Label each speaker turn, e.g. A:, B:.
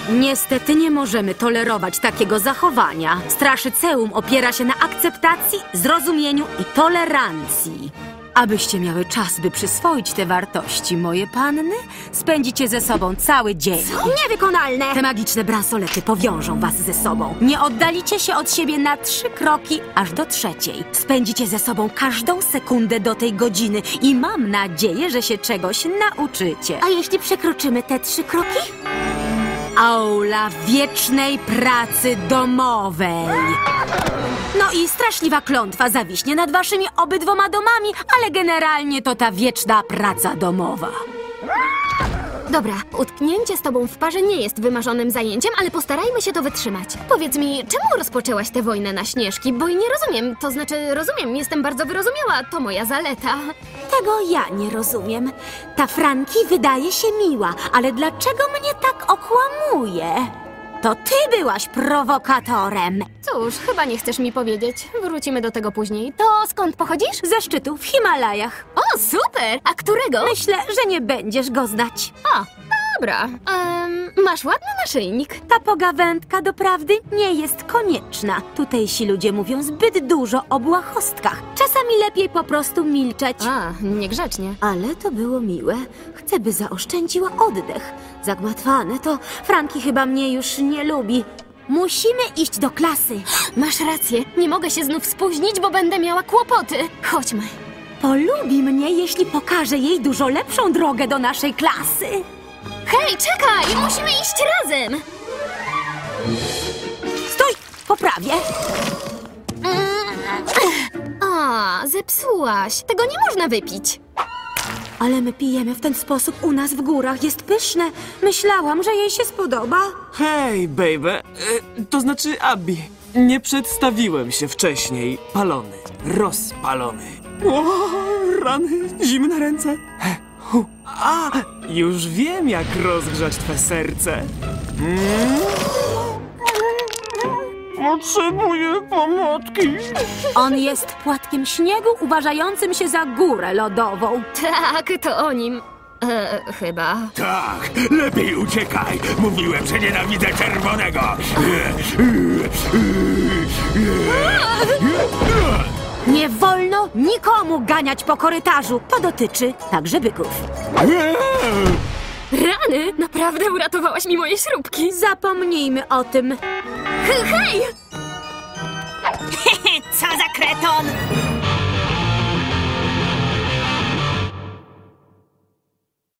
A: Niestety nie możemy tolerować takiego zachowania. Straszyceum opiera się na akceptacji, zrozumieniu i tolerancji. Abyście miały czas, by przyswoić te wartości, moje panny, spędzicie ze sobą cały dzień.
B: Niewykonalne!
A: Te magiczne bransolety powiążą was ze sobą. Nie oddalicie się od siebie na 3 kroki, aż do 3. Spędzicie ze sobą każdą sekundę do tej godziny i mam nadzieję, że się czegoś nauczycie.
B: A jeśli przekroczymy te 3 kroki?
A: Aula wiecznej pracy domowej. No i straszliwa klątwa zawiśnie nad waszymi obydwoma domami, ale generalnie to ta wieczna praca domowa.
B: Dobra, utknięcie z tobą w parze nie jest wymarzonym zajęciem, ale postarajmy się to wytrzymać. Powiedz mi, czemu rozpoczęłaś tę wojnę na Śnieżki? Bo nie rozumiem, to znaczy rozumiem, jestem bardzo wyrozumiała, to moja zaleta.
A: Tego ja nie rozumiem. Ta Franki wydaje się miła, ale dlaczego mnie tak okłamuje? To ty byłaś prowokatorem.
B: Cóż, chyba nie chcesz mi powiedzieć. Wrócimy do tego później. To skąd pochodzisz?
A: Ze szczytu w Himalajach.
B: O, super! A którego?
A: Myślę, że nie będziesz go znać.
B: O, dobra. Masz ładny naszyjnik.
A: Ta pogawędka doprawdy nie jest konieczna. Tutejsi ludzie mówią zbyt dużo o błahostkach. Czasami lepiej po prostu milczeć.
B: A, niegrzecznie.
A: Ale to było miłe. Chcę, by zaoszczędziła oddech. Zagmatwane to Franki chyba mnie już nie lubi. Musimy iść do klasy.
B: Masz rację, nie mogę się znów spóźnić, bo będę miała kłopoty. Chodźmy.
A: Polubi mnie, jeśli pokażę jej dużo lepszą drogę do naszej klasy.
B: Hej, czekaj! Musimy iść razem!
A: Stój! Poprawię.
B: A, zepsułaś. Tego nie można wypić.
A: Ale my pijemy w ten sposób u nas w górach. Jest pyszne. Myślałam, że jej się spodoba.
C: Hej, baby. To znaczy Abby. Nie przedstawiłem się wcześniej. Palony. Rozpalony. O, rany. Zimne ręce. A, już wiem, jak rozgrzać twe serce. Potrzebuję pomocy.
A: On jest płatkiem śniegu uważającym się za górę lodową.
B: Tak, to o nim. Chyba.
D: Tak, lepiej uciekaj. Mówiłem, że nienawidzę czerwonego.
A: Nie wolno nikomu ganiać po korytarzu. To dotyczy także byków.
B: Rany! Naprawdę uratowałaś mi moje śrubki.
A: Zapomnijmy o tym.
B: Hej!
E: Co za kreton!